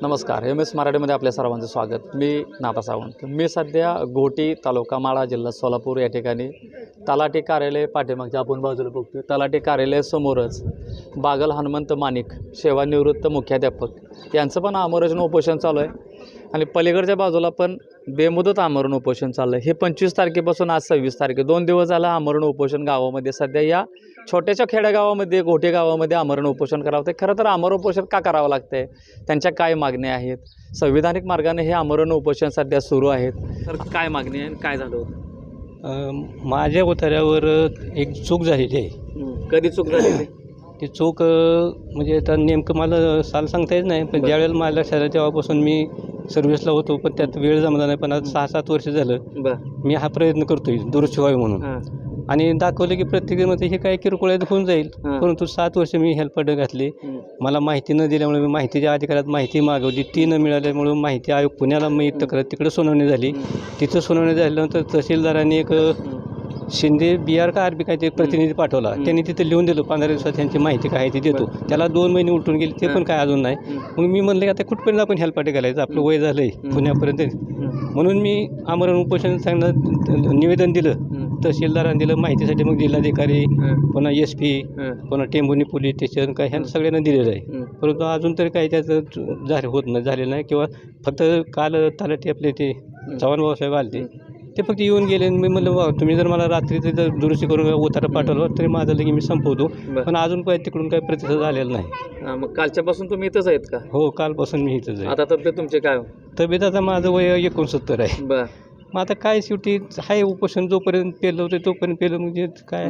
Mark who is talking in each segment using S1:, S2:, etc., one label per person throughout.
S1: नमस्कार, MS मराठीमध्ये आपल्या सर्वांचं स्वागत. मी नाथा सावंत. मी सध्या घोटी तालुका माढा जिल्हा सोलापूर या ठिकाणी तलाठी कार्यालय पाठीमागच्या आपण बाजूला बघतो. तलाठी कार्यालयासमोरच बागल हनुमंत माणिक सेवानिवृत्त मुख्याध्यापक यांचं पण आमरण उपोषण चालू आहे आणि पलीकडच्या बाजूला पण बेमुदत आमरण उपोषण चाललं आहे. हे 25 तारखेपासून आज 26 तारखे 2 दिवस झालं आमरण उपोषण गावामध्ये. सध्या या छोट्याशा खेडेगावामध्ये घोटे गावामध्ये आमरण उपोषण करावं लागतं. खरं तर आमरण उपोषण का करावं लागतं आहे, त्यांच्या काय मागण्या आहेत, संविधानिक मार्गाने हे आमरण उपोषण सध्या सुरू आहेत. तर काय मागणी आहे आणि काय झालं होतं?
S2: माझ्या उतार्यावर एक चूक झालेली आहे.
S1: कधी चूक झाली?
S2: ती चूक म्हणजे आता नेमकं मला साल सांगता येत नाही, पण ज्यावेळेला मला लक्षात आलं तेव्हापासून मी सर्व्हिसला होतो, पण त्यात वेळ जमला नाही. पण आज 6-7 वर्ष झालं मी हा प्रयत्न करतोय दुरुस्त व्हावे म्हणून, आणि दाखवलं की प्रत्येकामध्ये हे काय किरकोळ होऊन जाईल. परंतु 7 वर्ष मी हेल्पडे घातली. मला माहिती न दिल्यामुळे मी माहितीच्या अधिकारात माहिती मागवली, ती न मिळाल्यामुळे माहिती आयोग पुण्याला मी तक्रार तिकडे सुनावणी झाली. तिथं सुनावणी झाल्यानंतर तहसीलदारांनी एक शिंदे BR का RB काय ते प्रतिनिधी पाठवला. त्यांनी तिथे लिहून दिलं 15 दिवसात त्यांची माहिती काय ती देतो. त्याला 2 महिने उलटून गेले, ते पण काय अजून नाही. मग मी म्हणलं की आता कुठपर्यंत आपण हेल्पाटे घालायचं, आपलं वय झालं आहे पुण्यापर्यंत. म्हणून मी आमरण उपोषण सांगणं निवेदन दिलं, तहसीलदारांनी दिलं माहितीसाठी. मग जिल्हाधिकारी, पुन्हा SP, पुन्हा टेंभुर्णी पोलीस स्टेशन काय ह्या सगळ्यांना दिलेलं आहे. परंतु अजून तरी काही त्याचं झालेलं नाही. किंवा फक्त काल तलाठी आपले ते चव्हाण भाऊसाहेब आले, ते फक्त येऊन गेले. मी म्हणलं बा तुम्ही जर मला रात्री तिथं दुरुस्ती करून उतारा पाठवला तरी माझं लगे मी संपवतो, पण अजून काही तिकडून काही प्रतिसाद आलेला नाही.
S1: मग कालच्यापासून तुम्ही इथंच आहेत का?
S2: हो, कालपासून मी इथंच आहे.
S1: आता तब्येत तुमचे काय?
S2: तब्येत आता माझं वय 69 आहे. मग आता काय शेवटी हाय उपोषण जोपर्यंत पेलं होतं तोपर्यंत पेलं, म्हणजे काय.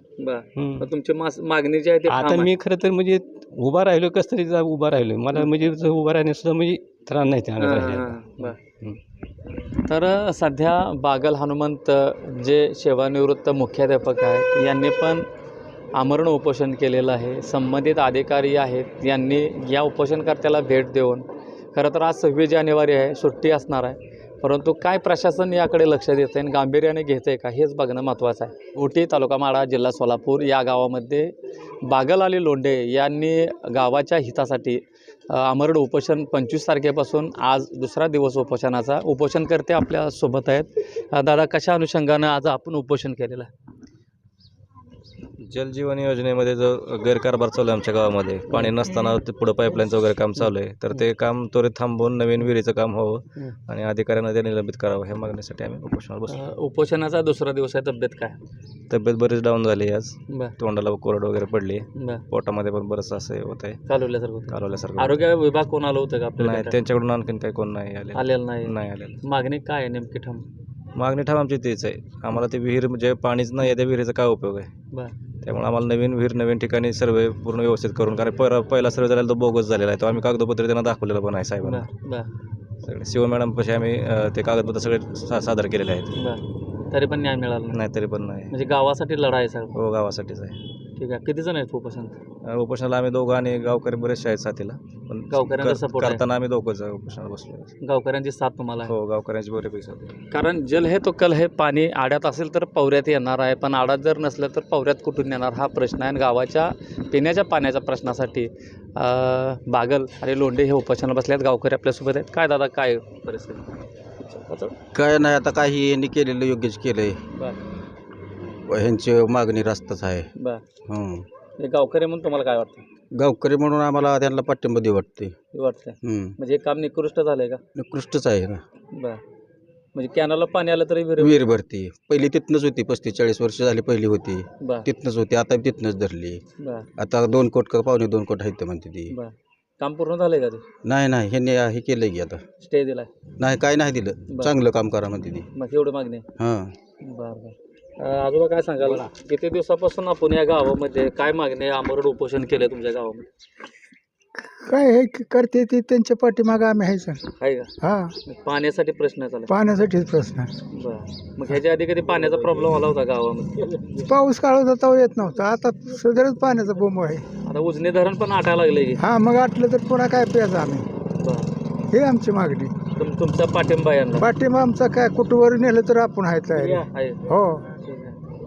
S1: तुमची मागणी जी आहे ते
S2: आता मी खरं तर म्हणजे उभा राहिलो, कस तरी उभा राहिलो. मला म्हणजे उभा राहण्यास म्हणजे त्रास नाही त्या.
S1: तर सध्या बागल हनुमंत जे सेवानिवृत्त मुख्याध्यापक आहेत यांनी पण आमरण उपोषण केलेलं आहे. संबंधित अधिकारी आहेत यांनी या उपोषणकर्त्याला भेट देऊन, खरं तर आज 26 जानेवारी आहे, सुट्टी असणार आहे, परंतु काय प्रशासन याकडे लक्ष देतं आहे आणि गांभीर्याने घेतं आहे का हेच बघणं महत्त्वाचं आहे. घोटी तालुका माढा जिल्हा सोलापूर या गावामध्ये बागल अली लोंढे यांनी गावाच्या हितासाठी आमरण उपोषण 25 तारखेपासून आज 2रा दिवस उपोषणाचा. उपोषणकर्ते आपल्या सोबत आहेत. दादा, कशा अनुषंगानं आज आपण उपोषण केलेलं आहे?
S3: जलजीवन योजनेमध्ये जो गैरकारभार चालू आहे आमच्या गावामध्ये, पाणी नसताना पुढं पाईपलाईनचं वगैरे काम चालू आहे, तर ते काम त्वरित थांबवून नवीन विहिरीचं काम व्हावं आणि अधिकाऱ्यांना ते निलंबित करावं, ह्या मागणीसाठी आम्ही उपोषणावर बसलो.
S1: उपोषणाचा 2रा दिवस आहे. तब्येत काय?
S3: तब्येत बरीच डाऊन झाली आज. तोंडाला कोरड वगैरे पडली, पोटामध्ये पण बरंच असं होत आहे, कालवल्यासारखं.
S1: आरोग्य विभाग कोण आलं होतं का आपल्याला?
S3: नाही, त्यांच्याकडून आणखीन काही कोण नाही
S1: आलेलं
S3: नाही आलेलं.
S1: मागणी काय आहे नेमकी ठाम?
S3: मागणी ठाम आमची तीच आहे. आम्हाला ते विहीर म्हणजे पाणीच नाही आहे, त्या विहिरीचा काय उपयोग आहे. त्यामुळे आम्हाला नवीन विहीर नवीन ठिकाणी सर्वे पूर्ण व्यवस्थित करून, कारण पहिला सर्वे झालेला तो बोगस झालेला आहे. तो आम्ही कागदपत्र त्यांना दाखवलेलं पण आहे साहेबांना. सगळे शिव मॅडम पाशी आम्ही ते कागदपत्र सगळे सादर केलेले आहेत.
S1: तरी पण न्याय मिळाला
S3: नाही? तरी पण नाही.
S1: म्हणजे गावासाठी लढाई सर?
S3: हो, गावासाठीच आहे.
S1: ठीक आहे. किती जण आहेत
S3: उपोषणाला? आम्ही दोघं आणि गावकरी बरेचसे आहेत साथीला, पण
S1: गावकऱ्यांचा सपोर्ट
S3: करताना आम्ही दोघंच उपोषणाला बसलो.
S1: गावकऱ्यांची साथ तुम्हाला?
S3: हो, गावकऱ्यांची बरेपैकी साथ.
S1: कारण जल है तो कल है. पाणी आड्यात असेल तर पवऱ्यात येणार आहे, पण आड्यात जर नसलं तर पवऱ्यात कुठून येणार, हा प्रश्न आहे. आणि गावाच्या पिण्याच्या पाण्याच्या प्रश्नासाठी बागल आणि लोंढे हे उपोषणाला बसले आहेत. गावकरी आपल्यासोबत आहेत. काय दादा, काय परिस्थिती?
S4: काय नाही, आता काही यांनी केलेलं योग्यच केलं आहे. ह्यांची मागणी रास्तच आहे.
S1: गावकरी म्हणून तुम्हाला काय वाटतं?
S4: गावकरी म्हणून आम्हाला त्यांना पाठिंबा देऊ वाटतंय.
S1: म्हणजे हे काम निकृष्ट झालंय का?
S4: निकृष्टच आहे ना.
S1: म्हणजे कॅनलला पाणी आलं तरी
S4: विहीर भरती पहिली तिथनंच होती. 35-40 वर्ष झाली पहिली होती, तिथनंच होती. आता तिथनंच धरली. आता 2 कोट का 2.25 कोट आहेत म्हणते ती.
S1: काम पूर्ण झालंय का ते?
S4: नाही, ह्यांनी हे केलंय की आता
S1: स्टे दिलाय? नाही,
S4: काय नाही दिलं. चांगलं काम करा म्हणते ती.
S1: मग एवढं मागणी?
S4: हां.
S1: आजोबा, काय सांगाल? किती दिवसापासून आपण या गावामध्ये काय मागणी आमरण उपोषण केलं तुमच्या गावामध्ये?
S5: काय हे करते ते त्यांच्या पाठीमागं आम्ही आहे सर.
S1: आहे का?
S5: हां.
S1: पाण्यासाठी प्रश्न चालू?
S5: पाण्यासाठीच प्रश्न.
S1: मग ह्याच्या आधी कधी पाण्याचा प्रॉब्लेम आला होता गावामध्ये?
S5: पाऊस काळ होता तेव्हा येत नव्हता. आता सदरच पाण्याचा बोंब आहे.
S1: आता उजनी धरण पण आटायला लागले की?
S5: हां, मग आटलं तर पुन्हा काय प्यायचं आम्ही, हे आमची मागणी.
S1: तुमचा पाठिंबा यांना?
S5: पाठिंबा आमचा काय, कुठवर नेलं तर आपण आहे. हो.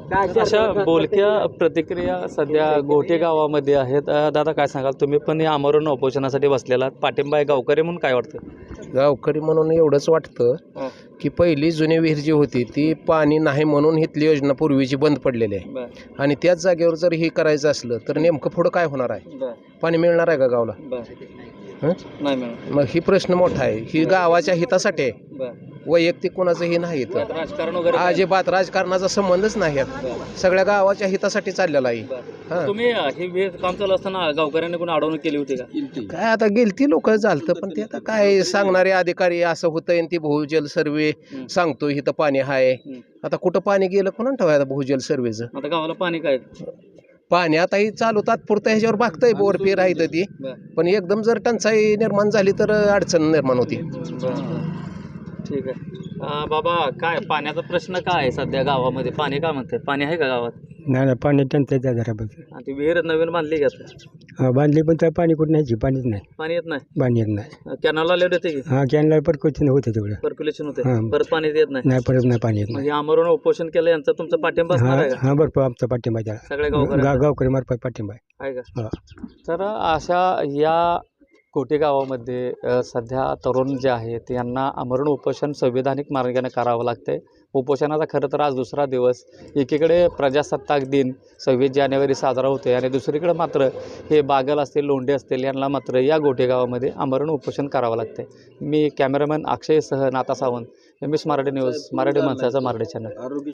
S1: अशा बोलक्या प्रतिक्रिया सध्या गोटे गावामध्ये आहेत. दादा काय सांगाल, तुम्ही पण या आमरण उपोषणासाठी बसलेला आहात. पाठिंबा आहे गावकरी म्हणून, काय वाटतं?
S6: गावकरी म्हणून एवढंच वाटतं की पहिली जुनी विहीर जी होती ती पाणी नाही म्हणून इथली योजना पूर्वीची बंद पडलेली आहे आणि त्याच जागेवर जर हे करायचं असलं तर नेमकं पुढं काय होणार आहे? पाणी मिळणार आहे का गावला? हं?
S1: नाही मिळणार.
S6: मग ही प्रश्न मोठा आहे. ही गावाच्या हितासाठी आहे, वैयक्तिक कोणाचं हे नाही इथं.
S1: राजकारण वगैरे काय?
S6: अजिबात राजकारणाचा संबंधच नाही यात. सगळ्या गावाच्या हितासाठी चाललेला आहे. हां.
S1: तुम्ही हे विहीर काम चालू असताना गावकऱ्यांनी कोणी अडवणूक केली होती का?
S6: काय आता गेलती लोक झालतं पण ते आता काय सांगणारे अधिकारी असं होतंय ती भूजल सर्वे सांगतो इथं पाणी आहे. आता कुठं पाणी गेलं कोणा ठेवायचं भूजल सर्वेचं?
S1: आता गावाला पाणी काय?
S6: पाणी आता ही चालू तात्पुरतं ह्याच्यावर बघतंय बोरपी राहिलं ती, पण एकदम जर टंचाई निर्माण झाली तर अडचण निर्माण होती.
S1: ठीक आहे. बाबा काय पाण्याचा प्रश्न काय आहे सध्या गावामध्ये? पाणी काय म्हणते? पाणी आहे का गावात?
S2: नाही पाणी टंचाई जराबद्दल
S1: आणि ती विहीर नवीन बांधली का आता?
S2: बांधली पण त्या पाणी कुठं नाही, पाणीच नाही,
S1: पाणी येत नाही.
S2: पाणी येत नाही.
S1: कॅनलला लेट येते की
S2: हा कॅनला पर क्वेश्चन होते तेवढं,
S1: सर्क्युलेशन होते,
S2: हां.
S1: परत पाणी येत नाही.
S2: नाही परत नाही पाणी येत नाही.
S1: म्हणजे आमरण उपोषण केलं यांचा तुमचा पाठिंबा असणार आहे का?
S2: हा भरपूर आमचा पाठिंबा त्याला,
S1: सगळ्या गावकऱ्यांचा
S2: गावकरी मार्फत पाठिंबा
S1: आहे का?
S2: हा.
S1: तर अशा या कोटे गावामध्ये सध्या तरुण जे आहेत यांना आमरण उपोषण संविधानिक मार्गाने करावं लागतंय. उपोषणाचा खरं तर आज दुसरा दिवस. एकीकडे प्रजासत्ताक दिन 26 जानेवारी साजरा होतो आणि दुसरीकडे मात्र हे बागल असतील, लोंढे असतील यांना मात्र या गोटे गावामध्ये आमरण उपोषण करावं लागतंय. मी कॅमेरामॅन अक्षयसह नाता सावंत, MS मराठी न्यूज, मराठी माणसाचा मराठी चॅनल.